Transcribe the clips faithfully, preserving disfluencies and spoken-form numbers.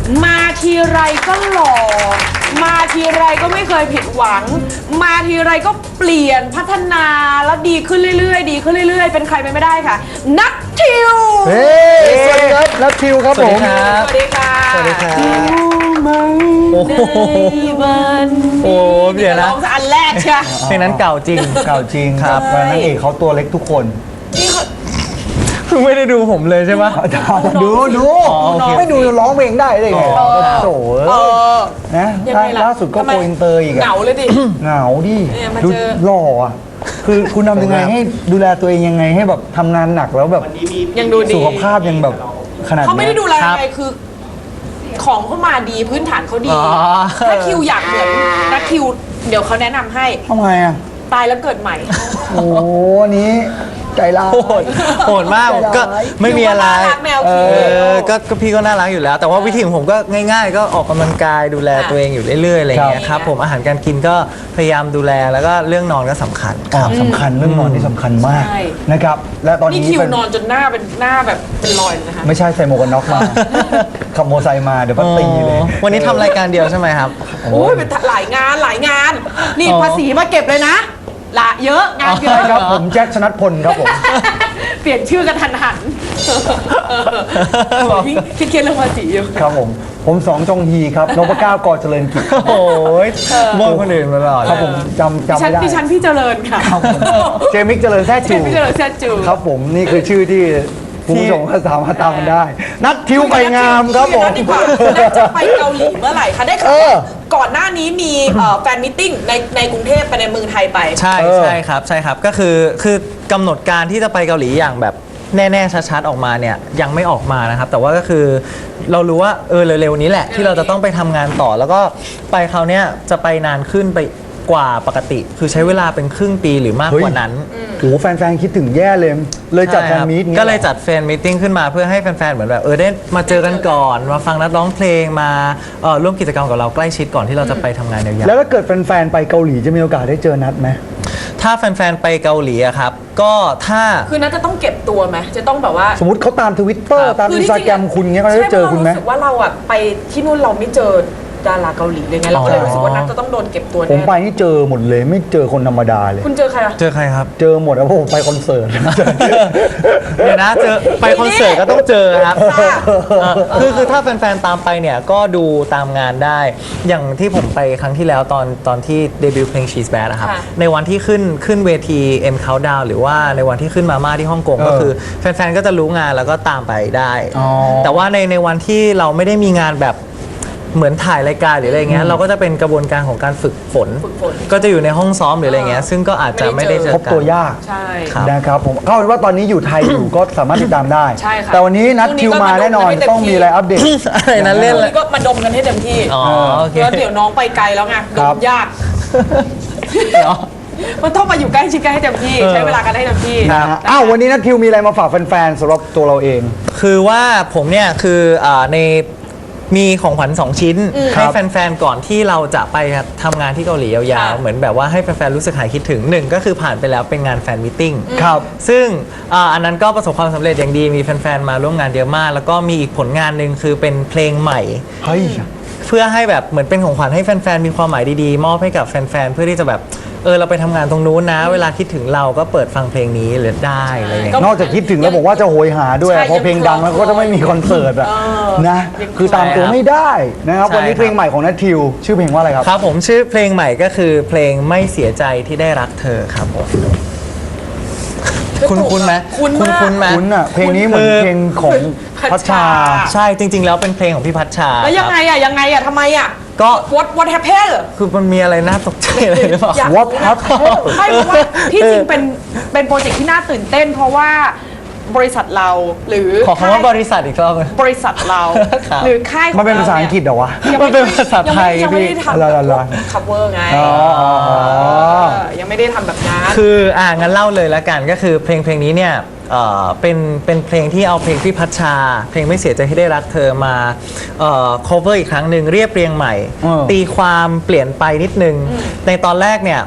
มาทีไรก็หล่อมาทีไรก็ไม่เคยผิดหวังมาทีไรก็เปลี่ยนพัฒนาแล้วดีขึ้นเรื่อยๆดีขึ้นเรื่อยๆเป็นใครไปไม่ได้ค่ะนัททิวเฮ้ยสวัสดีครับนัททิวครับผมสวัสดีค่ะสวัสดีครับโอ้โหวันโอ้เดี๋ยวนะร้องอันแรกใช่เพลงนั้นเก่าจริงเก่าจริงครับนางเอกเขาตัวเล็กทุกคนนี่เขาไม่ได้ดูผมเลยใช่ไหมดูดูไม่ดูร้องเพลงได้เลยไงโถ่นะล่าสุดก็โกอินเตอร์อีกเหงาเลยดิเหงาดิเนี่ยมาดูเจอหล่ออ่ะคือคุณทำยังไงให้ดูแลตัวเองยังไงให้แบบทำงานหนักแล้วแบบยังดูดีสุขภาพยังแบบขนาดนี้เขาไม่ได้ดูแลอะไรคือ ของเขามาดีพื้นฐานเขาดีอ๋อถ้าคิวอยากเหมือนนัททิวเดี๋ยวเขาแนะนำให้ทำไงอ่ะตายแล้วเกิดใหม่โอ้นี้ใจร้ายโหดโหดมากผมก็ไม่มีอะไรคิวก็น่ารักแมวเอคิวอก็ก็พี่ก็น่ารักอยู่แล้ว แต่ว่าวิธีของผมก็ง่าย ๆ ก็ออกกำลังกายดูแลตัวเองอยู่เรื่อยๆอะไรอย่างเงี้ยครับผมอาหารการกินก็พยายามดูแลแล้วก็เรื่องนอนก็สำคัญอ๋อสำคัญเรื่องนอนที่สำคัญมากนะครับและตอนนี่นี้คิวเป็นนอนจนหน้าเป็นหน้าแบบเป็นรอยเลยนะคะไม่ใช่ใส่หมวกกันน็อกมาขับมอเตอร์ไซค์มาเดี๋ยวพัดตีเลยวันนี้ทำรายการเดียวใช่ไหมครับโอ้ยเป็นหลายงานหลายงาน นี่อ๋อภาษีมาเก็บเลยนะละเยอะงานเยอะครับผมแจ็คชนัทพลครับผมเปลี่ยนชื่อกันทันหันยิ่งคิดเครียดเรื่องภาษีอยู่ครับผมผมสองจงฮีครับนพเก้ากอเจริญกิจโอ้ยบอกคนอื่นมาตลอดครับผมจำดิจำฉัไม่นได้ดิฉันพี่เจริญค่ะครับผมเจมิกเจริญแท้เจจูพี่เจริญเสื้อจูครับผมนี่คือชื่อที่ผู้ชมก็สามารถตามกันได้ นัททิวไปงามครับผมนัดดีกว่านัดจะไปเกาหลีเมื่อไหร่คะได้ข่าวเออว่าก่อนหน้านี้มีเอ่อแฟนมิทติ้งในในกรุงเทพไปในเมืองไทยไปใช่เออใช่ครับใช่ครับก็คือคือกำหนดการที่จะไปเกาหลีอย่างแบบแน่ๆชัดๆออกมาเนี่ยยังไม่ออกมานะครับแต่ว่าก็คือเรารู้ว่าเออเร็วๆนี้แหละที่เราจะต้องไปทำงานต่อแล้วก็ไปคราวเนี้ยจะไปนานขึ้นไปกว่าปกติ คือใช้เวลาเป็นครึ่งปีหรือมากกว่านั้นโอ้โหแฟนๆคิดถึงแย่เลย เลยจัดแฟนมีตก็เลยจัดแฟนมีตติ้งขึ้นมาเพื่อให้แฟนๆเหมือนแบบเออได้มาเจอกันก่อนมาฟังนัดร้องเพลงมาเอ่อร่วมกิจกรรมกับเราใกล้ชิดก่อนที่เราจะไปทำงานยาวๆแล้วถ้าเกิดแฟนๆไปเกาหลีจะมีโอกาสได้เจอนัดไหมถ้าแฟนๆไปเกาหลีอะครับก็ถ้าคือนัดจะต้องเก็บตัวไหมจะต้องแบบว่าสมมติเขาตามทวิตเตอร์ครับตามอินสตาแกรมคุณเงี้ยเขาจะได้เจอคุณไหมใช่เพราะเรารู้สึกว่าเราอะไปที่นู่นเราไม่เจอดาราเกาหลีเลยไงเราก็เลยรู้สึกว่านัดจะต้องโดนเก็บตัวผมแน่ไปนี่เจอหมดเลยไม่เจอคนธรรมดาเลยคุณเจอใครอะเจอใครครับเจอหมดแล้วเพราะผมไปคอนเสิร์ตเดี๋ยวนะเจอไปคอนเสิร์ตก็ต้องเจอครับค่ะเออคือคือถ้าแฟนๆตามไปเนี่ยก็ดูตามงานได้ อย่างที่ผมไปครั้งที่แล้วตอนตอนที่เดบิวต์เพลง She's Bad นะครับค่ะในวันที่ขึ้นขึ้นเวที M Countdown หรือว่าในวันที่ขึ้นมาม่าที่ฮ่องกงเออก็คือแฟนๆก็จะรู้งานแล้วก็ตามไปได้อ๋อแต่ว่าในในวันที่เราไม่ได้มีงานแบบเหมือนถ่ายรายการหรืออะไรเงี้ยเราก็จะเป็นกระบวนการของการฝึกฝนฝึกฝนก็จะอยู่ในห้องซ้อมหรืออะไรเงี้ยซึ่งก็อาจจะไม่ได้เจอพบกันตัวยากใช่ครับนะครับผมเข้าเป็นว่าตอนนี้อยู่ไทยอยู่ ก็สามารถติดตามได้ใช่ค่ะแต่วันนี้นัดคิวมาแน่นอนพรุ่งนี้ก็มาดูกันให้เต็มต้องมีอะไรอัปเดตอะไรนั้นเล่นวันเลยนี้ก็มาดมกันให้เต็มที่อ๋อโอเคแล้วเดี๋ยวน้องไปไกลแล้วไงดครัมบยาก มันต้องมาอยู่ใกล้ชิดกันให้เต็มที่ ใช้เวลากันให้เต็มที่นะฮะอ้าววันนี้นัทคิวมีอะไรมาฝากแฟนๆสำหรับตัวเราเองคือว่าผมเนี่ยคืออาในมีของขวัญสองชิ้นครัให้บแฟนๆก่อนที่เราจะไปทำงานที่เกาหลียาวๆ เหมือนแบบว่าให้แฟนๆรู้สึกหายคิดถึงหนึ่งก็คือผ่านไปแล้วเป็นงานแฟนมิทติ้งครับซึ่งอาอันนั้นก็ประสบความสำเร็จอย่างดีมีแฟนๆมาร่วมงานเยอะมาก แล้วก็มีอีกผลงานหนึ่งคือเป็นเพลงใหม่เฮ้ยเพื่อให้แบบเหมือนเป็นของขวัญให้แฟนๆมีความหมายดีๆ มอบให้กับแฟนๆเพื่อที่จะแบบเออเราไปทำงานตรงนู้นนะ เวลาคิดถึงเราก็เปิดฟังเพลงนี้เลยได้อะไรอย่างเงี้ยนอกจากคิดถึงแล้วบอกว่าจะโหยหาด้วยใช่เพราะเพลงดังแล้วก็จะไม่มีคอนเสิร์ตอะเออนะยังคือตามตัวไม่ได้นะครับใช่วันนี้ครับเพลงใหม่ของนัททิวชื่อเพลงว่าอะไรครับครับผมชื่อเพลงใหม่ก็คือเพลงไม่เสียใจที่ได้รักเธอครับผมคุณคุณไหมคุ้นมากคุณไหมคุณอะเพลงนี้เหมือนเพลงของพัชชาใช่จริง ๆ แล้วเป็นเพลงของพี่พัชชาแล้วยังไงครับอะยังไงอะทำไมอะก็ what what happened คือมันมีอะไรน่าตกใจอะไรหรือเปล่าอยาก What happened ไม่เพราะว่าที่จริงเป็นเป็นโปรเจกต์ที่น่าตื่นเต้น เพราะว่าบริษัทเราหรือขอคำว่าบริษัทอีกรอบหนึ่งบริษัทเราครับหรือค่ายของมันเป็นภาษาอังกฤษเหรอวะยังมันเป็นภาษาไทยยังไม่ได้พี่ทำอะไรแบบๆๆ cover ไงอ๋ออ๋ออ๋อเออยังไม่ได้ทำแบบนั้นคืออ่างั้นเล่าเลยละกันก็คือเพลงเพลงนี้เนี่ยเอ่อเป็นเป็นเพลงที่เอาเพลงพี่พัชชา เพลงไม่เสียใจที่ได้รักเธอมาเอ่อ cover อีกครั้งหนึ่งเรียบเรียงใหม่อืมตีความเปลี่ยนไปนิดนึง ในตอนแรกเนี่ย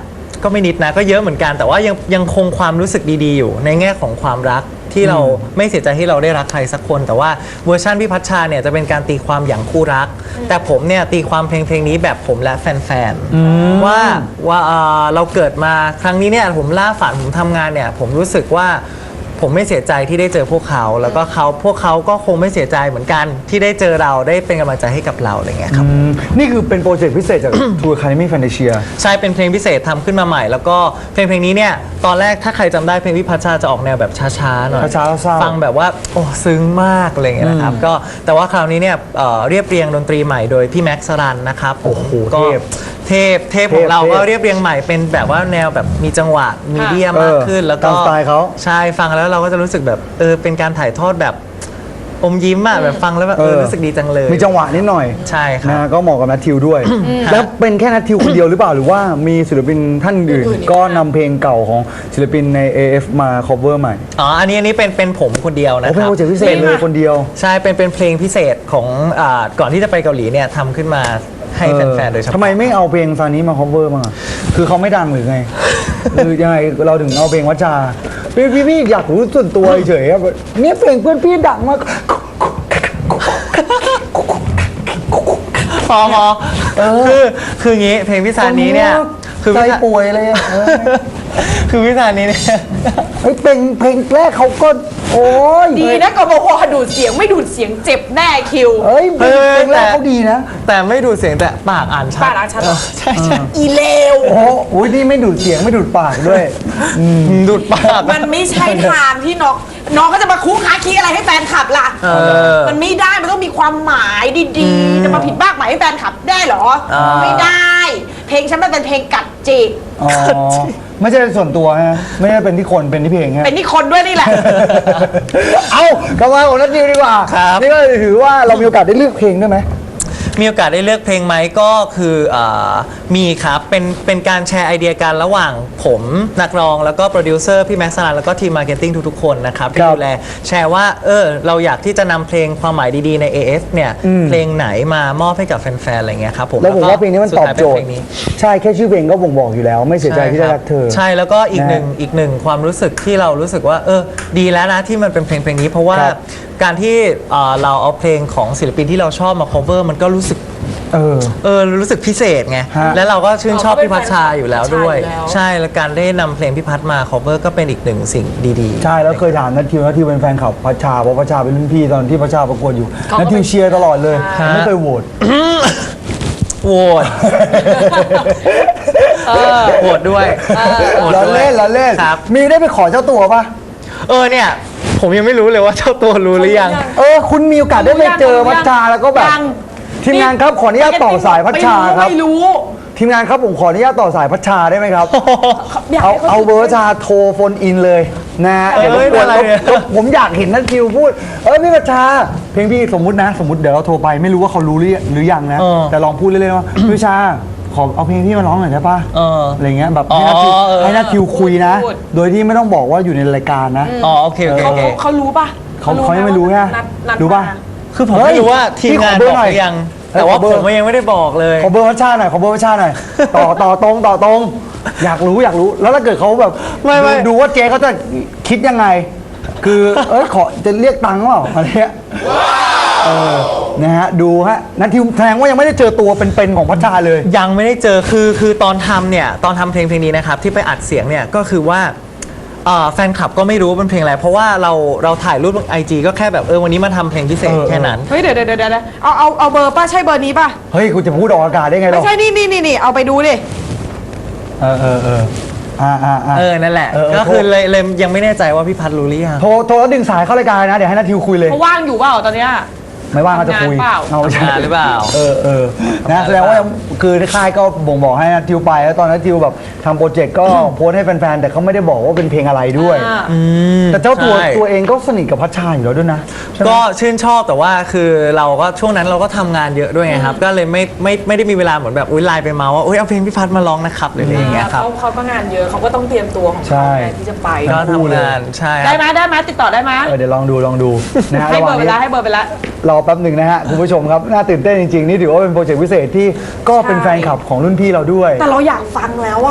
ก็ไม่นิดนะก็เยอะเหมือนกันแต่ว่ายังยังคงความรู้สึกดีๆอยู่ในแง่ของความรักที่เราไม่เสียใจที่เราได้รักใครสักคน แต่ว่าเวอร์ชันพี่พัชชาเนี่ยจะเป็นการตีความอย่างคู่รัก แต่ผมเนี่ยตีความเพลงเพลงนี้แบบผมและแฟนๆว่าว่าเอ่อเราเกิดมาครั้งนี้เนี่ยผมล่าฝันผมทำงานเนี่ยผมรู้สึกว่าผมไม่เสียใจที่ได้เจอพวกเขาแล้วก็เขาพวกเขาก็คงไม่เสียใจเหมือนกันที่ได้เจอเราได้เป็นกำลังใจให้กับเราอะไรเงี้ยครับอืมนี่คือเป็นโปรเจกต์พิเศษจาก True Academy Fantasia ใช่เป็นเพลงพิเศษทำขึ้นมาใหม่ แล้วก็เพลงเพลงนี้เนี่ยตอนแรกถ้าใครจำได้เพลงพี่พัชชาจะออกแนวแบบช้าๆหน่อยช้าๆเศร้าๆฟังแบบว่าโอ้ซึ้งมากอะไรเงี้ยนะครับก็แต่ว่าคราวนี้เนี่ยเอ่อเรียบเรียงดนตรีใหม่โดยพี่แม็กซ์สรันนะครับโอ้โหก็เทพเทพเทพของเราเทพก็เรียบเรียงใหม่เป็นแบบว่าแนวแบบมีจังหวะมีเดียมากขึ้นเออแล้วก็ตามสไตล์เขาใช่ฟังแล้วเราก็จะรู้สึกแบบเออเป็นการถ่ายทอดแบบอมยิ้มอะแบบฟังแล้วแบบเออเออรู้สึกดีจังเลยมีจังหวะนิดหน่อยใช่ครับนะก็เหมาะกับนัททิวด้วย แล้วเป็นแค่นัททิวคนเดียวหรือเปล่า หรือว่ามีศิลปินท่านอื่น ก็นำเพลงเก่าของศิลปินใน เอ เอฟ มา cover ใหม่อ๋ออันนี้อันนี้เป็นเป็นผมคนเดียวนะโอ้คเป็นรับโปรเจกต์พิเศษเลยคนเดียวใช่ เป็นเป็นเพลงพิเศษของอ่าก่อนที่จะไปเกาหลีเนี่ยทำขึ้นมาให้แฟนๆ โดยเฉพาะทำไมไม่เอาเพลงซานี้มา cover บ้างอะคือเขาไม่ดังหรือไง คือยังไงเราถึงเอาเพลงวัชชาพี่พี่พี่อยากรู้ส่วนตัวเฉยๆอะเนี่ยเพลงเพื่อนพี่ดังมากพอพอคือคืออย่างงี้เพลงพิซานี้เนี่ยคือใจพิซาป่วยเลยอะเออคือพิซานี้เนี่ยเฮ้ยเพลงเพลงแรกเขาก็โอ้ยดีนะกบพดูดเสียงไม่ดูดเสียงเจ็บแน่คิวเฮ้ยเพลงเออเพลงแรกแต่เขาดีนะแต่ไม่ดูดเสียงแต่ปากอ่านชัดปากอ่านชัดเหรอใช่ใช่อีเลวโอ้โหอุ๊ยนี่ไม่ดูดเสียงไม่ดูดปากด้วยดูดปากมันไม่ใช่ทางที่น้องน้องก็จะมาคุกคาคีอะไรให้แฟนคลับล่ะเออมันไม่ได้มันต้องมีความหมายดีๆ จะมาผิดบ้ากหมายให้แฟนคลับได้เหรออ่าไม่ได้ เพลงฉันมันเป็นเพลงกัดจิตอ๋อไม่ใช่ส่วนตัวฮะไม่ได้เป็นที่คนเป็นที่เพลงฮะเป็นที่คนด้วยนี่แหละเอากลับมาของนัทนิวดีกว่าครับนี่ก็ถือว่าเรามีโอกาสได้เลือกเพลงด้วยไหมมีโอกาสได้เลือกเพลงไหมก็คืออามีครับเป็นเป็นการแชร์ไอเดียกันระหว่างผมนักร้องแล้วก็โปรดิวเซอร์พี่แม็กซ์สลันแล้วก็ทีมมาร์เก็ตติ้งทุกๆคนนะครับที่ครับดูแลแชร์ว่าเออเราอยากที่จะนำเพลงความหมายดีๆใน เอ เอฟ เนี่ยอืมเพลงไหนมามอบให้กับแฟนๆอะไรเงี้ยครับผมแล้วผมว่าเพลงนี้มันตอบโจทสุดท้ายเป็นเพลย์งนี้ใช่แค่ชื่อเพลงก็บ่งบอกอยู่แล้ว ไม่เสียใจที่ได้รักเธอใช่แล้วก็อีกนะหนึ่งอีกหนึ่งความรู้สึกที่เรารู้สึกว่าเออดีแล้วนะที่มันเป็นเพลงเพลงนี้ เพราะว่าครับการที่เอ่อเราเอาเพลงของศิลปินที่เราชอบมา cover มันก็รู้สึกเออเออรู้สึกพิเศษไงฮะแล้วเราก็ชื่นชอบเราก็เป็นพี่พัชชาอยู่แล้วด้วยแฟนคลับพี่พัชชาอยู่แล้วใช่แล้วการได้นำเพลงพี่พัชมา cover ก็เป็นอีกหนึ่งสิ่งดีๆใช่แล้วเคยถามนัททิวนัททิวเป็นแฟนคลับพัชชาเพราะพัชชาเป็นรุ่นพี่ตอนที่พัชชาประกวดอยู่เขาก็นัททิวเชียร์ตลอดเลยใช่ไม่เคยโหวตโหวตโหวตด้วยโหวตเราด้วยเล่นเราเล่นครับมีได้ไปขอเจ้าตัวปะเออเนี่ย ผมยังไม่รู้เลยว่าเจ้าตัวรู้หรือยังเออคุณมีโอกาสได้ไปเจอพัชชาแล้วก็แบบยังทีมงานครับขออนุญาตต่อสายพัชชาครับไม่รู้ทีมงานครับผมขออนุญาตต่อสายพัชชาได้ไหมครับอยากเอาให้เขาเอาเบอร์พัชชาโทรโฟนอินเลยนะเอ้ยเดี๋ยวรบกวนอะไรเนี่ยรบผมอยากเห็นนัททิวพูดเออพี่พัชชา เพลงพี่สมมุตินะ สมมติเดี๋ยวเราโทรไปไม่รู้ว่าเขารู้หรือหรือยังนะเออแต่ลองพูดเล่นๆว่าพี่พัชชาขอเอาเพลงพี่มาร้องหน่อยได้ปะเออออะไรเงี้ยแบบอ๋อให้นัททิวเออให้นัททิวคุยนะพูดโดยที่ไม่ต้องบอกว่าอยู่ในรายการนะอ๋อโอเคโอเคเขาโอเคเขาเขารู้ป่ะเขาเขายังไม่รู้นะนัดนัดรู้ป่ะมาคือผมเฮ้ยไม่รู้ว่าทีมงานพี่บขอเบอร์หน่อยอกหรือยังเฮ้ยแต่ว่าขอเบอร์ผมยังไม่ได้บอกเลยขอเบอร์วัชชาหน่อยขอเบอร์วัชชาหน่อย ต่อต่อตรงต่อตรง อยากรู้อยากรู้แล้วถ้าเกิดเขาแบบไม่ไม่ดูดูว่าเจ๊เขาจะคิดยังไง คือเอ้ยขอจะเรียกตังค์เปล่าอะไรเงี้ยเออนะฮะดูฮะนัททิวแสดงว่ายังไม่ได้เจอตัวเป็นๆของพัชชาเลยยังไม่ได้เจอคือคือตอนทำเนี่ยตอนทำเพลงเพลงนี้นะครับที่ไปอัดเสียงเนี่ยก็คือว่าเอ่อแฟนคลับก็ไม่รู้ว่าเป็นเพลงอะไรเพราะว่าเราเราถ่ายรูปลงไอจีก็แค่แบบเออวันนี้มาทำเพลงพิเศษเออแค่นั้นเฮ้ยเดี๋ยวเดี๋ยวเดี๋ยวเดี๋ยวเอาเอาเอาเบอร์ป้าใช่เบอร์นี้ป่ะเฮ้ยกูจะพูดออกอากาศได้ไงเราไม่ใช่นี่นี่นี่นี่เอาไปดูดิเออเออเอออ่าอ่าอ่าเออนั่นแหละเออเออก็คือเลยเลยยังไม่แน่ใจว่าพี่พัดรู้หรือยังโทรโทรแล้วดึงสายเข้ารายการนะเดี๋ยวให้นัททิวคุยเลยเขาว่างอยู่เปล่าตอนเนี้ยไม่ว่างก็จะคุยทำงานเปล่าเอาไม่ใช่ทำงานหรือเปล่าเออเออนะแสดงว่ายังคือค่ายก็บ่งบอกให้นัททิวไปแล้วตอนนั้นทิวแบบทำโปรเจกต์ก็โพสต์ให้แฟนๆแต่เขาไม่ได้บอกว่าเป็นเพลงอะไรด้วยอ่าแต่เจ้าตัวใช่ตัวเองก็สนิทกับพัชชาอยู่แล้วด้วยนะใช่ไหมก็ชื่นชอบแต่ว่าคือเราก็ช่วงนั้นเราก็ทำงานเยอะด้วยไงครับก็เลยไม่ไม่ไม่ได้มีเวลาเหมือนแบบอุ้ยไลน์ไปเมาว่าอุ้ยเอาเพลงพี่พัดมาร้องนะครับหรืออะไรอย่างเงี้ยครับเขาเขาก็งานเยอะเขาก็ต้องเตรียมตัวของใช่เขาไงที่จะไปก็ทำงานใช่คได้รับไหมได้ไหมติดต่อได้ไหมเออเดี๋ยวลองดูลองดูนะฮะให้ระหเบอว่างร์ไปนี้แล้วให้เบอร์ไปแล้วรอแป๊บหนึ่งนะฮะคุณผู้ชมครับน่าตื่นเต้นจริงๆนี่ถือว่าเป็นโปรเจกต์พิเศษที่ก็เป็นแฟนคลับของรุ่นพี่เราด้วยแต่เราอยากฟังแล้วอ่ะ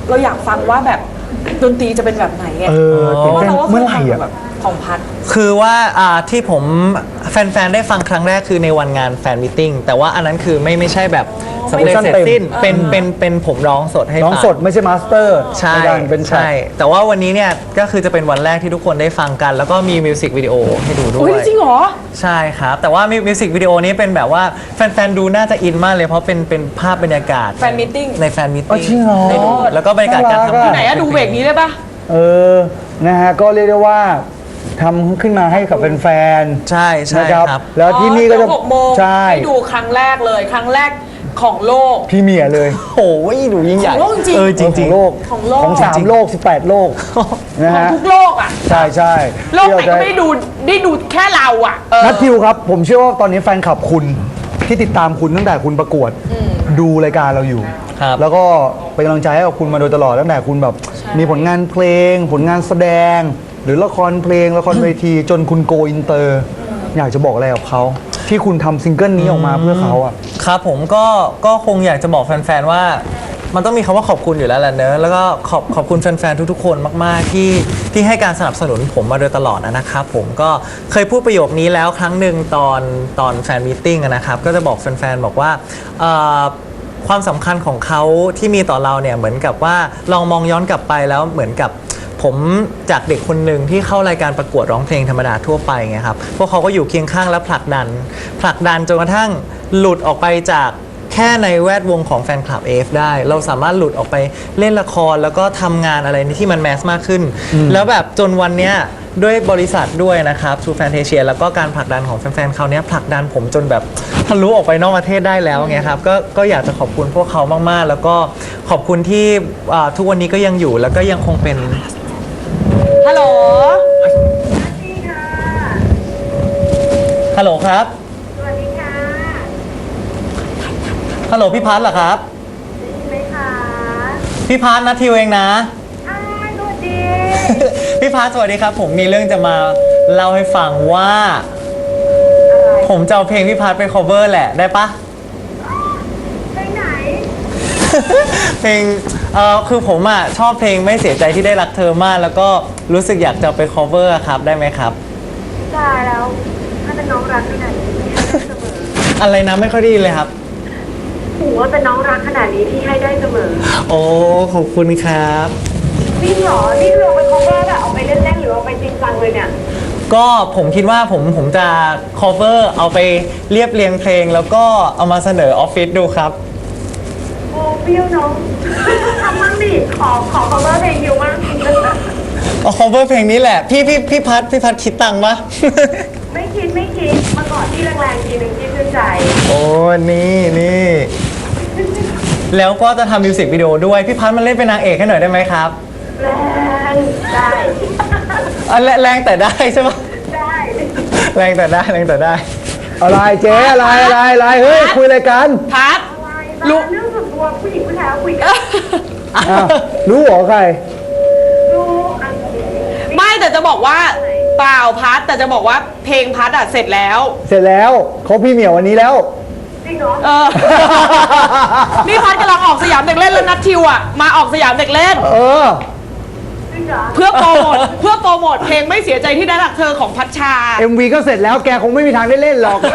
เราอยากฟังว่าแบบดนตรีจะเป็นแบบไหนไงเออเพตื่นราะว่าเต้นเราก็เคเมื่อย ไหร่ฟังอ่ะแบบของพัดคือว่าอ่าที่ผมแฟนๆ ได้ฟังครั้งแรกคือในวันงานแฟนมิทติ้งแต่ว่าอันนั้นคือไม่ไม่ใช่แบบสำเร็จเสร็จสิ้นเป็นเป็นเป็นผมร้องสดให้น้องฟังสดไม่ใช่มาสเตอร์ใช่ในการเป็นแทร็ใช่กแต่ว่าวันนี้เนี่ยก็คือจะเป็นวันแรกที่ทุกคนได้ฟังกัน แล้วก็มีมิวสิกวิดีโอให้ดูด้วอุ้ยยจริงเหรอใช่ครับ แต่ว่ามิวสิกวิดีโอนี้เป็นแบบว่าแฟนๆ ดูน่าจะอินมากเลยเพราะเป็นเป็นภาพบรรยากาศแฟนมีตติ้งในแฟนมิทอ๋อติ้งจริงเหรอให้ดูแล้วก็บรรยากาศการทำน่ารักอะงานไหนอะดูเบรกนี้ได้ปะเออ นะฮะ ก็เรียกได้ว่าทำขึ้นมาให้กับแฟนๆใช่ใช่นะครับครับแล้วที่นี่ก็จะอ๋อเดี๋ยวหกโมงใช่ให้ดูครั้งแรกเลยครั้งแรกของโลกพี่เมียเลยโอ้ยดูยิ่งใหญ่ของโลกจริงเออจขริองงโลกของโลกของสามโลกสิบแปดโลกนะของฮะทุกโลกอะใช่ใช่โลกไหนก็ไม่ได้ดูได้ดูแค่เราอะเออนัททิวครับ ผมเชื่อว่าตอนนี้แฟนคลับคุณที่ติดตามคุณตั้งแต่คุณประกวด ดูรายการเราอยู่ครับแล้วก็เป็นกำลังใจให้กับคุณมาโดยตลอดตั้งแต่คุณแบบมีผลงานเพลง ผลงานแสดง หรือละครเพลงละครเวทีจนคุณโกอินเตอร์ อยากจะบอกอะไรกับเขาที่คุณทำซิงเกิลนี้ออกมาเพื่อเขาอ่ะครับผมก็ก็คงอยากจะบอกแฟนๆ ว่ามันต้องมีคำว่าขอบคุณอยู่แล้วแหละเนอะแล้วก็ขอบขอบคุณแฟนๆ ทุกๆ คนมากๆที่ที่ให้การสนับสนุนผมมาโดยตลอดนะครับผมก็เคยพูดประโยคนี้แล้วครั้งหนึ่งตอนตอนแฟนมีตติ้งนะครับก็จะบอกแฟนๆ บอกว่าเอ่อความสำคัญของเขาที่มีต่อเราเนี่ยเหมือนกับว่าลองมองย้อนกลับไปแล้วเหมือนกับผมจากเด็กคนหนึ่งที่เข้ารายการประกวดร้องเพลงธรรมดาทั่วไปไงครับพวกเขาก็อยู่เคียงข้างและผลักดันผลักดันจนกระทั่งหลุดออกไปจากแค่ในแวดวงของแฟนคลับ เอ เอฟ ได้ เราสามารถหลุดออกไปเล่นละครแล้วก็ทำงานอะไรที่มันแมสมากขึ้น แล้วแบบจนวันเนี้ยด้วยบริษัทด้วยนะครับ True Fantasia แล้วก็การผลักดันของแฟนๆเขาเนี้ยผลักดันผมจนแบบทะลุออกไปนอกประเทศได้แล้วไงครับก็ก็อยากจะขอบคุณพวกเขามากๆ แล้วก็ขอบคุณที่อ่าทุกวันนี้ก็ยังอยู่แล้วก็ยังคงเป็นฮัลโหลฮัลโหลครับสวัสดีค่ะฮัลโหลพี่พัทเหรอครับได้ยินไหมคะพี่พัทนัททิวเองนะอ้าวสวัสดีพี่พัทสวัสดีครับ ผมมีเรื่องจะมาเล่าให้ฟังว่าอะไรผมจะเอาเพลงพี่พัทไป cover แหละได้ปะไปไหนเพลงเอ่อคือผมอ่ะชอบเพลงไม่เสียใจที่ได้รักเธอมาก แล้วก็รู้สึกอยากจะเอาไป cover อะครับได้ไหมครับตายแล้ว ถ้าเป็นน้องรักขนาดนี้พี่ให้ได้เสมออะไรนะไม่ค่อยได้ยินเลยครับหูว่าเป็นน้องรักขนาดนี้พี่ให้ได้เสมอโอ้ขอบคุณครับจริงเหรอ นี่คือเอาไป cover แบบเอาไปเล่นๆหรือเอาไปจริงจังเลยเนี่ยก็ผมคิดว่าผมผมจะ cover เอาไปเรียบเรียงเพลง แล้วก็เอามาเสนอออฟฟิศดูครับโอ้เปรี้ยวน้องทำมั่งดิ ขอขอ cover เพลงอยู่มั่งเอา cover เพลงนี้แหละพี่พี่พี่พัทพี่พัทคิดตังค์ปะไม่คิดไม่คิดมาก่อนที่แรงๆทีหนึ่งที่ชื่นใจโอ้นี่นี่แล้วก็จะทำมิวสิกวิดีโอด้วย พี่พัทมาเล่นเป็นนางเอกให้หน่อยได้ไหมครับแรงได้อ่ะแรแรงแต่ได้ใช่ปะได้แรงแต่ได้แรงแต่ได้อะไรเจ๊อะไรอะไรอะไรเฮ้ยคุยอะไรกันพัดอะไรรู้บ้างเรื่องส่วนตัวผู้หญิงผู้ชายเขาคุยกันอ้าวรู้เหรอใครรู้อันนี้ไม่แต่จะบอกว่าเปล่าพัดแต่จะบอกว่าเพลงพัดอะเสร็จแล้วเสร็จแล้วเขาพี่เหมียววันนี้แล้วจริงเหรอเออ นี่พัดกำลังออกสยามเด็กเล่นแล้วนัททิวอะมาออกสยามเด็กเล่นเออจริงเหรอเพื่อโปรโมทเพื่อโปรโมทเพลงไม่เสียใจที่ได้รักเธอของพัชชาเอ็ม วี ก็เสร็จแล้วแกคงไม่มีทางได้เล่นหรอก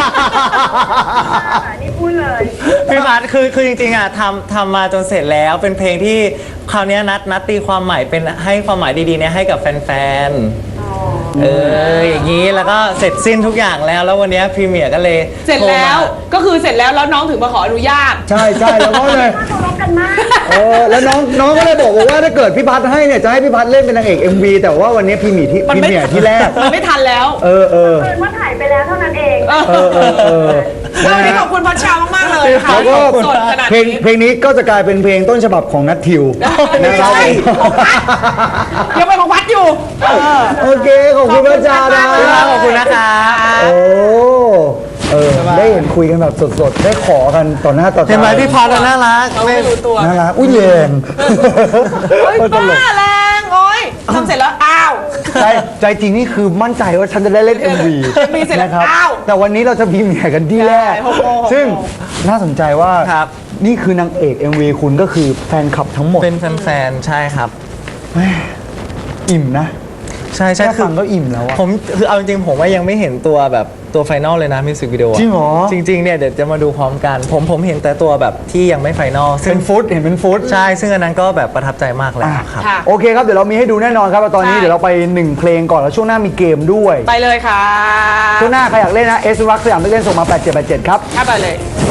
นี่พูดเลยพี่พัทคือคือจริงๆอ่ะทำทำมาจนเสร็จแล้วเป็นเพลงที่คราวเนี้ยนัดนัดตีความหมายเป็นให้ความหมายดีๆเนี่ยให้กับแฟนๆเอออย่างนี้แล้วก็เสร็จสิ้นทุกอย่างแล้วแล้ววันเนี้ยพรีเมียร์ก็เลยเสร็จแล้วโทรมาก็คือเสร็จแล้วแล้วน้องถึงมาขออนุญาตใช่ใช่แล้วก็เลยน่าเคารพกันมากเออแล้วน้องน้องก็เลยบอกว่าถ้าเกิดพี่พัฒให้เนี่ยจะให้พี่พัฒเล่นเป็นนางเอก เอ็ม วี แต่ว่าวันนี้พี่หมีที่มันพี่ไม่เมียที่แรกมันไม่ทันแล้วเออเออเกินว่าถ่ายไปแล้วเท่านั้นเองเออเออเออเออแล้ววันนี้ขอบคุณพัชชามากๆเลยค่ะแล้วก็สดขนาดเพลงนี้เพลงนี้ก็จะกลายเป็นเพลงต้นฉบับของนัททิวไม่นะครับใช่ของพัดยังเป็นของพัดอยู่เออโอเคขอบคุณพระเจ้านะขอบคุณนะคะโอ้เออได้เห็นคุยกันแบบสดๆ ได้ขอกันต่อหน้าต่อตาเห็นไหมพี่พัทอะน่ารักเราไม่รู้ตัวน่ารักอุ้ยแยงเฮ้ยโคตรตลกบ้าแรงโอ้ยทำเสร็จแล้วอ้าวใจใจจริงนี่คือมั่นใจว่าฉันจะได้เล่น เอ็ม วีเอ็มวีเสร็จแล้วนะครับอ้าวแต่วันนี้เราจะพรีเมียร์กันที่แรกใช่หกโมงหกโมงซึ่งน่าสนใจว่าครับนี่คือนางเอก เอ็ม วี คุณก็คือแฟนคลับทั้งหมดเป็นแฟนๆใช่ครับอิ่มนะใช่ใช่แค่คืฟัองก็อิ่มแล้วอะผมคือเอาจริงๆผมว่ายังไม่เห็นตัวแบบตัวไฟนอลเลยนะมิวสิกวิดีโอจริงเหรอจริงๆเนี่ยเดี๋ยวจะมาดูพร้อมกัน ผมผมเห็นแต่ตัวแบบที่ยังไม่ไฟนอลซึ่เป็งนฟุตเห็นเป็นฟุตใช่ซึ่งอันนั้นก็แบบประทับใจมากเลยครับค่ะโอเคครับ เดี๋ยวเรามีให้ดูแน่นอนครับตอนนี้ใช่เดี๋ยวเราไปหนึ่งเพลงก่อนแล้วช่วงหน้ามีเกมด้วยไปเลยค่ะช่วงหน้าใครอยากเล่นนะเอสรักสยามเล่นส่งมาแปดเจ็ดแปดเจ็ดครับเข้าไปเลย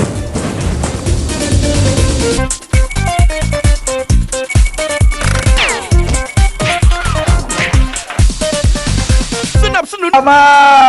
มา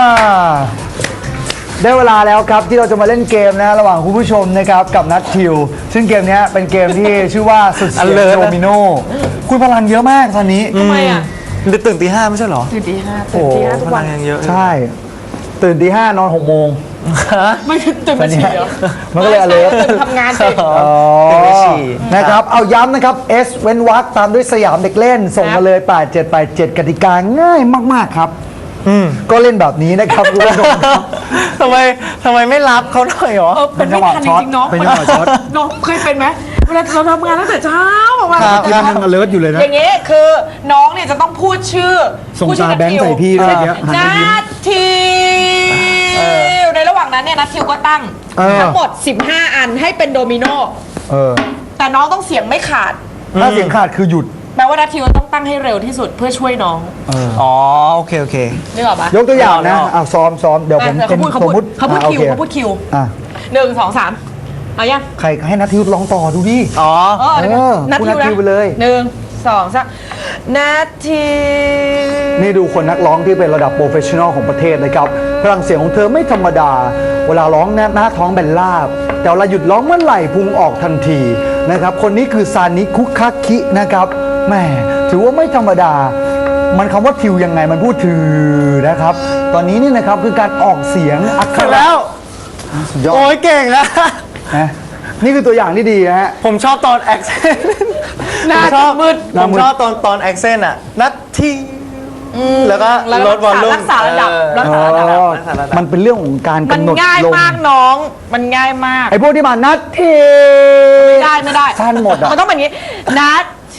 ได้เวลาแล้วครับที่เราจะมาเล่นเกมนะระหว่างคุณผู้ชมนะครับกับนัททิว ซึ่งเกมนี้เป็นเกมที่ชื่อว่าสุดเสียง Alert โดมิโนคุณพลังเยอะมากตอนนี้ทำไมอ่ะหรือตื่นตีห้าไม่ใช่เหรอตื่นตีห้าตื่นตีห้าทุกพวัลันงยังเยอะใช่ ตื่นตีห้านอนหกโมงไม่ตื่นมาฉี่เหรอมันก็เลย alert ตื่นทำงานสิอ๋อตื่นไปฉี่นะครับเอาย้ำนะครับ S เว้นวรรคตามด้วยสยามเด็กเล่น ส่งมาเลยแปดเจ็ดแปดเจ็ดกติกาง่ายมากๆครับก็เล่นแบบนี้นะครับคุณผู้ชมครับทำไมทำไมไม่รับเขาหน่อยเหรอเออเป็นไม่ทันจริงๆน้องเป็นจังหวะช็อตน้องเคยเป็นไหมเวลาเราทำงานตั้งแต่เช้าออกมาครับยัง alert อยู่เลยนะอย่างงี้คือน้องเนี่ยจะต้องพูดชื่อส่งพูดชื่อตาแบงค์นัททิวใส่พี่ด้วยเนี่ยหันนัมายิ้มททิวในระหว่างนั้นเนี่ยนัททิวก็ตั้งเออทั้งหมดสิบห้าอันให้เป็นโดมิโนเออแต่น้องต้องเสียงไม่ขาดถ้าเสียงขาดคือหยุดแปลว่านัททิวต้องตั้งให้เร็วที่สุดเพื่อช่วยน้องอ๋อโอเคโอเคนึกออกปะยกตัวอย่างนะเอาเอาอ่ะซ้อมซ้อมเดี๋ยวผมอ่ะเป็นเขาสพูมดมติเขาพูดอ่ะคิวโอเขาพูดคิวอ่ะหนึ่งสองสามเอายังใครให้นัททิวร้องต่อดูดิอ๋อเออเออนัทคุณทิวนัททิวไปเลยหนึ่งสองสามนัททิวนี่ดูคนนักร้องที่เป็นระดับโปรเฟชชั่นอลของประเทศนะครับพลังเสียงของเธอไม่ธรรมดา เวลาร้องหน้าหน้าท้องแบนลาบ แต่เวลาหยุดร้องเมื่อไหร่พุงออกทันทีนะครับคนนี้คือซานิคุคาคินะครับแหมถือว่าไม่ธรรมดา มันคำว่าทิวยังไงมันพูดถือนะครับ ตอนนี้นี่นะครับคือการออกเสียงอักขเสร็จระแล้วสุดยอโอ้ดยเก่งนะนะนี่คือตัวอย่างที่ดีนะฮะผมชอบตอนแอคเซนต์หน้าชอบมืดผมชอบตอนตอนแอคเซนต์อ่ะ นัดที่แล้วก็แล้วลดวอลลุ่มรักษาระดับเออรักษาระดับอ๋อรักษาระดับมันเป็นเรื่องของการมันกำหนดง่ายลมมากน้อง มันง่ายมากไอ้พวกที่มานัดเทไม่ได้ไม่ได้สั้นหมดอะมันต้องแบบนี้ นัดที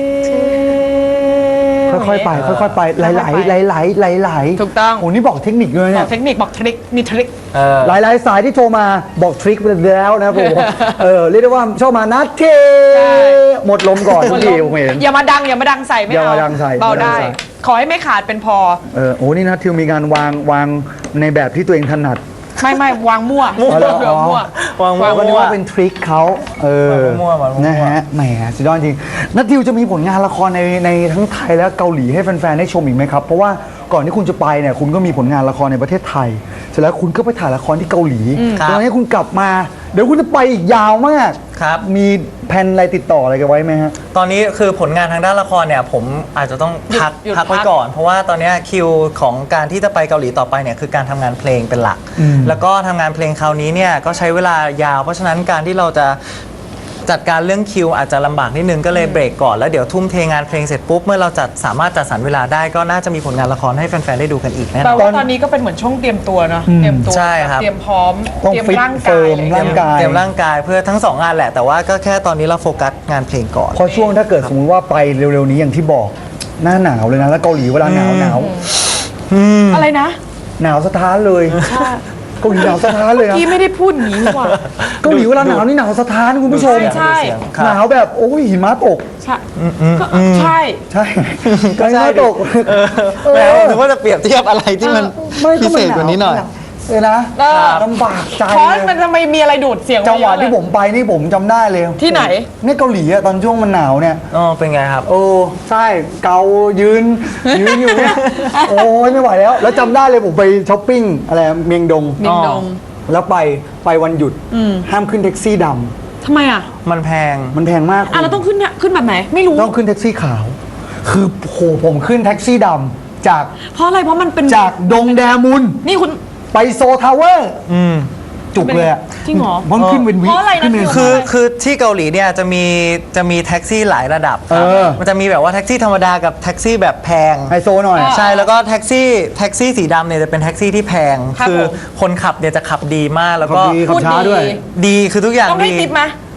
ค่อยๆไปค่อยๆไปไหลไหลไหลไหลไหลไหลถูกต้องโอ้นี่บอกเทคนิคเลยบเนี่อย กเทคนิคบอกทริคมีทริคเออหลายหลายๆสายที่โทรมาบอกทริคไปแล้วนะครับผมเออเรียกได้ว่าชอบมานัดเทใช่หมดลมก่อนทุกทีผมเห็นอย่ามาดังอย่ามาดังใส่ไม่อย่าเอามาดังใส่เบาอย่ามาดัได้งใส่ขอให้ไม่ขาดเป็นพอเออโอ้นี่นะทิวมีการวางวางในแบบที่ตัวเองถนัดไม่ไม่วางมั่วอ๋อเหรอวางมั่ววางมั่วก็นึกว่าเป็นทริคเขาเออมั่วๆมั่วๆนะฮะแหมสุดยอดจริงนัททิวจะมีผลงานละครในในทั้งไทยและเกาหลีให้แฟนๆได้ชมอีกไหมครับ เพราะว่าก่อนที่คุณจะไปเนี่ยคุณก็มีผลงานละครในประเทศไทย เสร็จแล้วคุณก็ไปถ่ายละครที่เกาหลีครับตอนนี้คุณกลับมา เดี๋ยวคุณจะไปอีกยาวมากครับมีแผนอะไรติดต่ออะไรกันไว้ไหมฮะตอนนี้คือผลงานทางด้านละครเนี่ยผมอาจจะต้องพักหยุดพักไว้พักก่อน เพราะว่าตอนเนี้ยคิวของการที่จะไปเกาหลีต่อไปเนี่ยคือการทำงานเพลงเป็นหลักอืมแล้วก็ทำงานเพลงคราวนี้เนี่ยก็ใช้เวลายาว เพราะฉะนั้นการที่เราจะจัดการเรื่องคิวอาจจะลำบากนิดนึงก็เลยเบรกก่อนแล้วเดี๋ยวทุ่มเทงานเพลงเสร็จปุ๊บเมื่อเราจัดสามารถจัดสรรเวลาได้ก็น่าจะมีผลงานละครให้แฟนๆได้ดูกันอีกแน่นแปลอนว่าตอนนี้ก็เป็นเหมือนช่วงเตรียมตัวเนาะอืมเตรียมตัวใช่ครับเตรียมพร้อมต้องเตรียมฟิตร่างเฟิกายร์มอะไรอย่างร่างเงี้ยกายเตรียมร่างกายเพื่อทั้งสองงานแหละ แต่ว่าก็แค่ตอนนี้เราโฟกัสงานเพลงก่อนเพราะช่วงถ้าเกิดสมมติว่าไปเร็วๆนี้อย่างที่บอกหน้าหนาวเลยนะแล้วเกาหลีเวลาหนาวหนาวอะไรนะหนาวสะท้านเลยเกาหลีหนาวสะท้านเลยนะพี่ไม่ได้พูดอย่างนี้นี่หว่าเกาหลีเวลาหนาวนี่หนาวสะท้านคุณผู้ชมใช่ครับหนาวแบบโอ้ยหิมะตกใช่ก็ใช่ใช่ก็หิมะตกแหมผมนึกว่าจะเปรียบเทียบอะไรที่มันไม่พิก็เศษกว่านี้หน่อยเออนะเออลำบากใจเพราะเลยมันทำไมมีอะไรดูดเสียงจังหวะไเยอที่เลยผมไปนี่ผมจำได้เลยที่ไหนเนี่ยเกาหลีอะตอนช่วงมันหนาวเนี่ยอ๋อเป็นไงครับโอ้ใช่เกายืนยืนอยู่เนี่ยโอ้ยไม่ไหวแล้ว แล้วจำได้เลยผมไปช้อปปิ้งอะไรเมียงดงมิงดงแล้วไปไปวันหยุดห้ามขึ้นแท็กซี่ดำทำไมอ่ะมันแพงมันแพงมากอ่ะเราต้องขึ้นเนี่ยขึ้นแบบไหน ไม่รู้ต้องขึ้นแท็กซี่ขาว คือโหผมขึ้นแท็กซี่ดำจากเพราะอะไรเพราะมันเป็นจากดงแดมุนนี่คุณไปโซทาวเวอร์จุกเลยอะจริงเหรอมันขึ้นเป็นวิเพราะอะไรนะขึ้นเป็นพี่คือคือที่เกาหลีเนี่ยจะมีจะมีแท็กซี่หลายระดับครับเออมันจะมีแบบว่าแท็กซี่ธรรมดากับแท็กซี่แบบแพงไฮโซหน่อยใช่แล้วก็แท็กซี่แท็กซี่สีดำเนี่ยจะเป็นแท็กซี่ที่แพงครับคือผมคนขับเนี่ยจะขับดีมากแล้วขับก็ดีขับช้าด้วยดีคือทุกอย่างต้องให้ดีติปไหม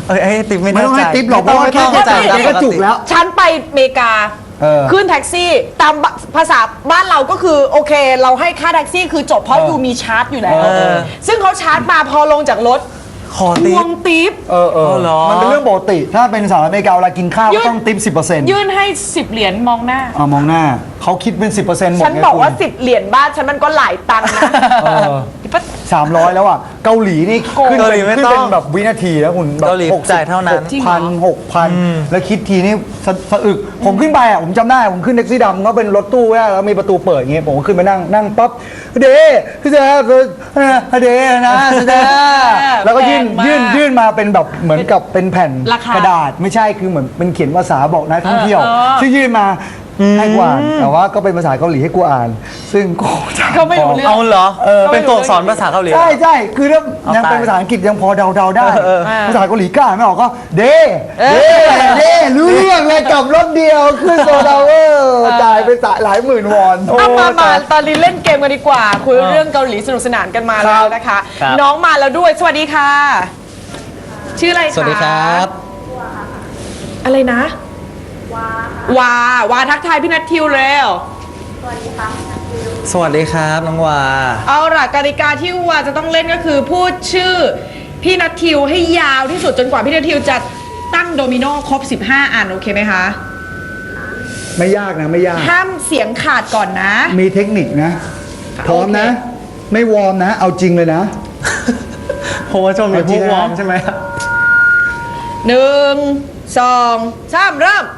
เอ้ยไอ้ติ๊บไม่ไม่น่าต้องให้จ่ายติ๊บหรอกเพราะว่าแค่ไม่ต้องจ่ายไม่ต้องแกก็จุกแล้วฉันไปอเมริกาเออขึ้นแท็กซี่ตามภาษาบ้านเราก็คือโอเค เราให้ค่าแท็กซี่คือจบเพราะเออยูมีชาร์จอยู่แล้วเออซึ่งเขาชาร์จมาพอลงจากรถขอทติ๊วบงทิปเออเออเอาเหรอมันเป็นเรื่องปกติ ถ้าเป็นสหรัฐอเมริกาเวลากินข้าวยื่ก็นต้องติปสิบเปอร์เซ็นต์ยื่นให้สิบเหรียญมองหน้าอ่ามองหน้าเขาคิดเป็นสิบเปอร์เซ็นต์หมดฉันไงบอกว่าคุณสิบเหรียญบ้านฉันมันก็หลายตังค์นะเออ สามร้อยแล้วอ่ะ เกาหลีนี่ขึ้นเกาหเป็ลีนไม่ขึ้นต้เป็อน งแบบวินาทีแล้วคุณแบบเกาหลีหกสิบจ่ายเท่านั้นหกพันหกพันแล้วคิดทีนี่สะสะอึก ผมขึ้นไปอ่ะ ผมจำได้ ผมขึ้นแท็กซี่ดำก็เป็นรถตู้แล้วมีประตูเปิดอย่างเงี้ยผมก็ขึ้นไปนั่งนั่งปั๊บเดพี่เจ้าเดนะเดแล้วก็ยื่นแพงมากยื่นยื่นมาเป็นแบบเหมือนกับเป็นแผ่นราคากระดาษไม่ใช่คือเหมือนเป็นเขียนภาษาบอกนักท่องเที่ยวเออเออที่ยื่นมาให้กูอ่านแต่ว่าก็เป็นภาษาเกาหลีให้กูอ่าน ซึ่งกูจะก็ไม่รู้เรื่องเอาเหรอเออเป็นตัวอักษรภาษาเกาหลีเหรอใช่ใช่คือถ้าเอายังเป็นตายภาษาอังกฤษยังพอเดาเดาๆได้เออภาษาเกาหลีกล้าไม่ออกก็เดเดเดรู้เรื่องเลยกับรถเดียวขึ้นโซดาเวอร์จ่ายไปหลายหมื่นวอนเอามาโอ้มาตยตอนนี้เล่นเกมกันดีกว่า คุยเรื่องเกาหลีสนุกสนานกันมาแล้วนะคะครับน้องมาแล้วด้วย สวัสดีค่ะ ชื่ออะไรคะสวัสดีครับอะไรนะ วา วาทักทายพี่นัททิวเร็วสวัสดีครับน้องวาเอาล่ะกติกาที่วาจะต้องเล่นก็คือพูดชื่อพี่นัททิวให้ยาวที่สุดจนกว่าพี่นัททิวจะตั้งโดมิโนครบสิบห้าอันโอเคไหมคะไม่ยากนะไม่ยากห้ามเสียงขาดก่อนนะมีเทคนิคนะ พร้อมนะโอเคไม่วอร์มนะ เอาจริงเลยนะเพราะว่าช่วงนี้เอาจริพวงกนะวอร์มใช่ไหมหนึ่งสองสามเริ่ม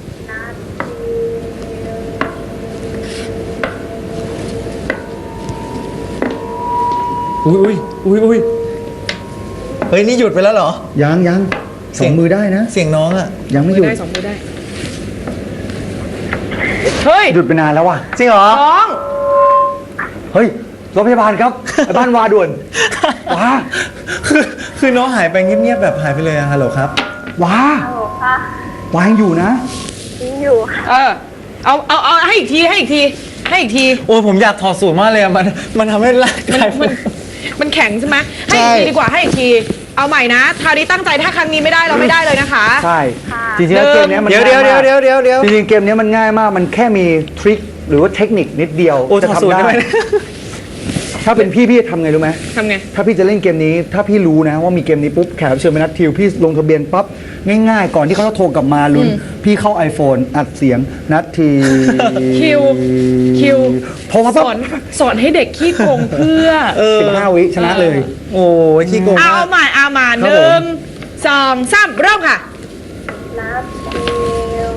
อุ้ยอุ้ยอุ้ยอุ้ยเฮ้ยนี่หยุดไปแล้วเหรอยังยังสองมือได้นะเสียงน้องอะยังไม่หยุดได้สองมือได้ เฮ้ยหยุดไปนานแล้วว่ะจริงเหรอน้องเฮ้ยรถพยาบาลครับไปบ้านวาด่วนว้าคือคือน้องหายไปเงียบๆแบบหายไปเลยอะฮัลโหลครับว้าฮัลโหลค่ะวายังอยู่นะยิงอยู่ค่ะเออ เอา เอา เอาให้อีกที ให้อีกที ให้อีกทีโอ้ยผมอยากถอดสูตรมากเลยอะมันมันทำให้ร่างมันกายมัน มันแข็งใช่ไหมให้อีกทีดีกว่า ให้อีกที เอาใหม่นะคราวนี้ตั้งใจถ้าครั้งนี้ไม่ได้เราไม่ได้เลยนะคะใช่ จริงๆแล้วเกมเนี้ยมันเดี๋ยวเดี๋ยวง่าเดี๋ยวมากเดี๋ยวเดี๋ยวเดี๋ยวจริงๆเกมเนี้ยมันง่ายมาก มันแค่มีทริคหรือว่าเทคนิคนิดเดียวโอ้ยจะถอดสูตรทำได้ได้ไหมถ้าเป็นพี่พี่จะทำไงรู้ไหมทำไงถ้าพี่จะเล่นเกมนี้ ถ้าพี่รู้นะว่ามีเกมนี้ปุ๊บแขกรับเชิญเป็นนัดทิว พี่ลงทะเบียนปั๊บง่ายๆ ก่อนที่เขาจะโทรกลับมาลุ้น พี่เข้า iPhone อัดเสียงนัดทีคิว คิวโทรมาสปั๊บอน สอนให้เด็กขี้โกงเพื่อสิบห้าวิชนะเลยโอ้ยขี้โกงเอามากใหม่เอามาหครับผมนึ่งสองสามเริ่มค่ะนับทิว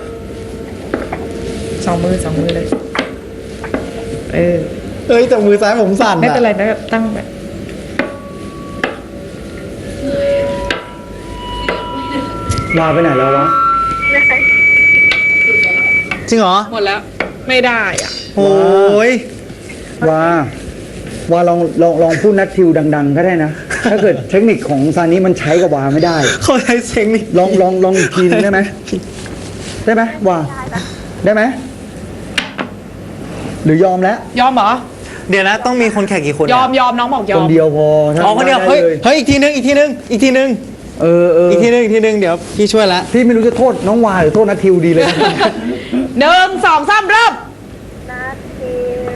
สองมือสองมือเลย เออเฮ้ยแต่มือซ้ายผมสั่นไม่อะเป็นไรนะตั้งแบบวาไปไหนแล้ววะจริงเหรอหมดแล้ว ไม่ได้อ่ะโอ้ยวาวาลองลองลองพูดนัดทิวดัง ๆ ก็ได้นะ ถ้าเกิดเทคนิคของซานี้มันใช้กับวาไม่ได้เขาใช้เสียงนี่ลองลองลองอีกทีนึงได้ไหมได้ไหมวาได้ไหมหรือยอมแล้วยอมเหรอเดี๋ยวนะต้องมีคนแข่งกี่คนยอมยอมน้องบอกยคอมนเดียวพอถ้าอ๋อคนเดียวไเฮ้ยลเฮ้ยอีกทีนึงอีกทีนึงอีกทีนึงเออเอออีกทีนึงอีกทีนึงเดี๋ยวพี่ช่วยละพี่ไม่รู้จะโทษน้องวาหรือโทษนัททิวดีเลยหนึ่งสองสามเริ่มนับทิ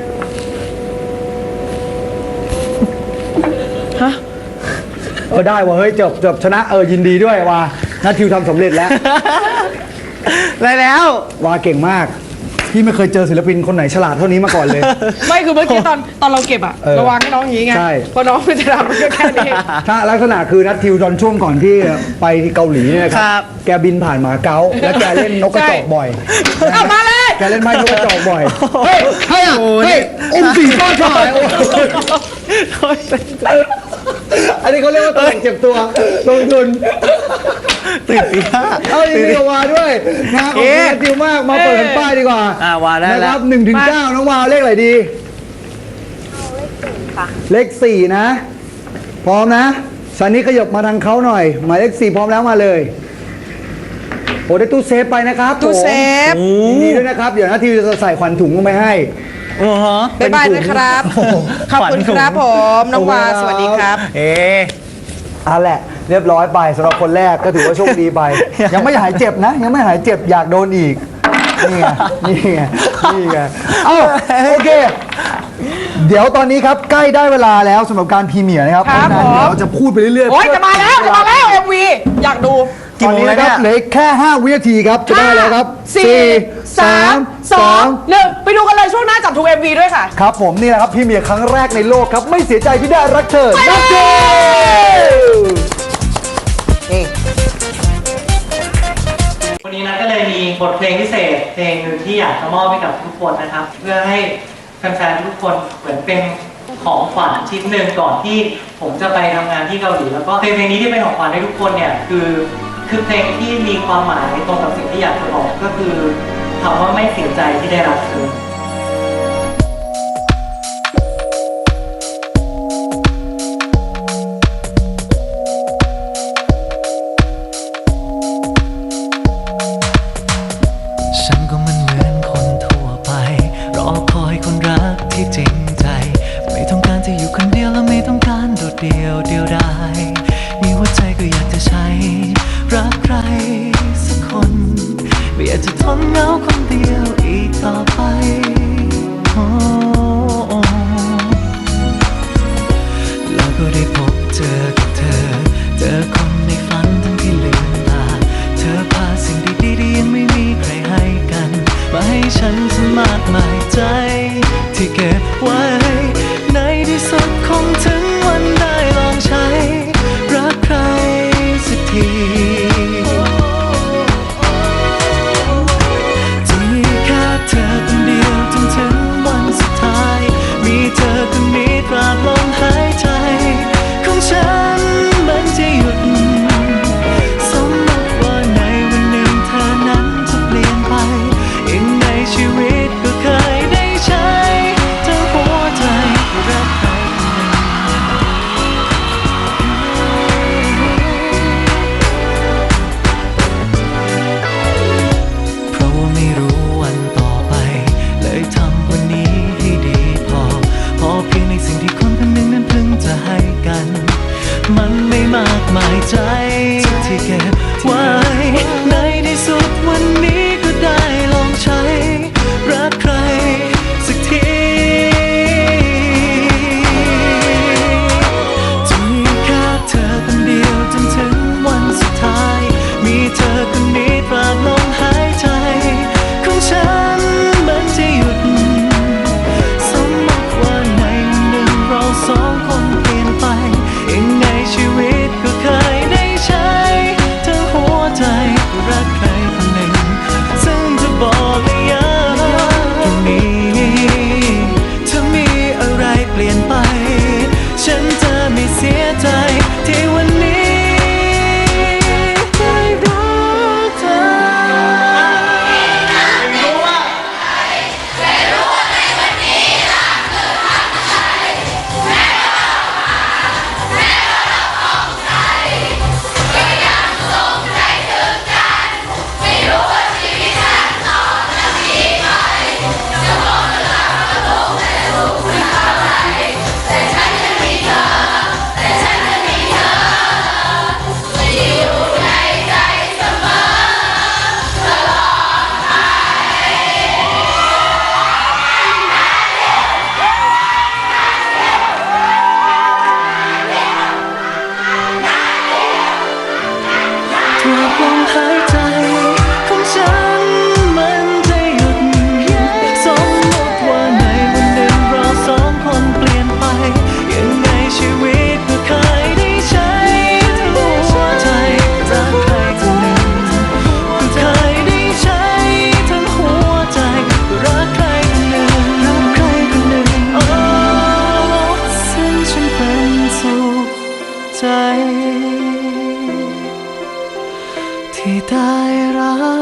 วฮะเออได้ว่ะเฮ้ยจบจบชนะเออยินดีด้วยวานัททิวทำสำเร็จแล้วได้แล้ววาเก่งมาก พี่ไม่เคยเจอศิลปินคนไหนฉลาดเท่านี้มาก่อนเลยไม่คือเมื่อกี้ตอนตอนเราเก็บอะเออระวังให้น้องอย่างงี้ไงใช่พอน้องมันจะทำมันก็แค่นี้ถ้าลักษณะคือนัททิวตอนช่วงก่อนที่ไปที่เกาหลีเนี่ยนะคครัรับ แกบินผ่านหมาเก๊าแล้วแกเล่นนกกระจอกบ่อยเอามาเลยแกเล่นไม้นกกระจอกบ่อยเฮ้ยเฮ้ยอะเฮ้ยอมสีฟ้าชายอันนี้เขาเรียกว่าตลกเจ็บตัวลงทุนตื่นตีห้าเอาอย่างนี้กับวาด้วยนะขอบคุณนัททิวมากมาเปิดแผ่นป้ายดีกว่าอ่าวาได้นะแล้คว รับหนึ่งถึงเก้าน้องวาเลขอะไรดีเอาเลขสี่ค่ะเลขสี่นะ พร้อมนะสันนี้ขยับมาทางเขาหน่อย หมายเลขสี่พร้อมแล้วมาเลยโอ้ได้ตู้เซฟไปนะครับตู้เซฟผมยินดีด้วยนะครับ เดี๋ยวนาทีจะใส่ขวัญถุงลงไปให้โอ้โหบ๊ายบายนะครับ ขอบคุณครับผม น้องวา สวัสดีครับเอ๊ะอ่ะแหละเรียบร้อยไปสำหรับคนแรกก็ถือว่าโชคดีไป ยังไม่หายเจ็บนะ ยังไม่หายเจ็บอยากโดนอีก นี่ไงนี่ไงนี่ไงเอ้าโอเค เดี๋ยวตอนนี้ครับใกล้ได้เวลาแล้วสำหรับการพรีเมียร์นะครับครับเพาะฉะนั้นผมเดี๋ยวเราจะพูดไปเรื่อยๆโอ้ยจะมาแล้วจะมาแล้ว เอ็ม วี อยากดูตอนนี้นะครับเหลืออีกแค่ ห้า วินาทีครับจะได้แล้วครับสี่สามสองหนึ่งไปดูกันเลยช่วงหน้าจับทุก เอ็ม วี ด้วยค่ะครับผมนี่แหละครับพรีเมียร์ครั้งแรกในโลกครับไม่เสียใจที่ได้รักเธอนักเธอนี่วันนี้นัทก็เลยมีบทเพลงพิเศษเพลงหนึ่งที่อยากจะมอบให้กับทุกคนนะครับ เพื่อให้แฟนๆทุกคนเหมือนเป็นของขวัญชิ้นหนึ่งก่อนที่ผมจะไปทำงานที่เกาหลีแล้วก็เพลงเพลงนี้ที่เป็นของขวัญให้ทุกคนเนี่ยคือคือเพลงที่มีความหมายตรงกับสิ่งที่อยากจะบอกก็คือคำว่าไม่เสียใจที่ได้รักเธอฉันก็มันเหมือนคนทั่วไปรอคอยคนรักที่จริงใจไม่ต้องการจะอยู่คนเดียวและไม่ต้องการโดดเดี่ยวเดียวดายมีหัวใจก็อยากจะใช้รักใครสักคนไม่อยากจะทนเหงาคนเดียวอีกต่อไปโอ้แล้วก็ได้พบเจอกับเธอเจอคนในฝันทั้งที่ลืมตาเธอพาสิ่งดีๆที่ยังไม่มีใครให้กันมาให้ฉันสมากมายใจที่เก็บไว้ในที่สุดคงถึงวันได้ลองใช้รักใครสักทีจะมีแค่เธอคนเดียวจนถึงวันสุดท้ายมีเธอคนนี้ตราบลมหายใจของฉันมันจะหยุดสมมติว่าในวันหนึ่งเธอนั้นจะเปลี่ยนไปยังในชีวิตก็เคยได้ใช้ทั้งหัวใจรักใครคนหนึ่งเพราะว่าไม่รู้วันต่อไปเลยทำวันนี้ให้ดีพอพอเพียงในสิ่งที่คนคนหนึ่งนั้นเพิ่งจะให้กัน มันไม่มากมายใจที่เก็บไว้ในที่สุดวันนี้ก็ได้ลองใช้รักใครสักทีจะมีแค่เธอคนเดียวจนถึงวันสุดท้ายมีเธอคนนี้ตราบลมหายใจของฉันมันจะหยุดสมมติว่าในวันหนึ่งเราสองคนเปลี่ยนไปยังไงชีวิตก็เคยได้ใช้ทั้งหัวใจรักใครคนหนึ่งซึ่งจะบอกเลยย้ำตรงนี้ถ้ามีอะไรเปลี่ยนไปฉันจะไม่เสียใจที่วันนี้ได้รักเธอ ทุกลมหายใจของฉันมันจะหยุดสมมติว่าในวันหนึ่งเราสองคนเปลี่ยนไปยังไงชีวิตก็เคยได้ใช้ทั้งหัวใจรักใครคนหนึ่งก็เคยได้ใช้ทั้งหัวใจรักใครคนหนึ่งรักใครคนหนึ่งโอ้ซึ่งฉันเป็นสุขใจที่ได้รัก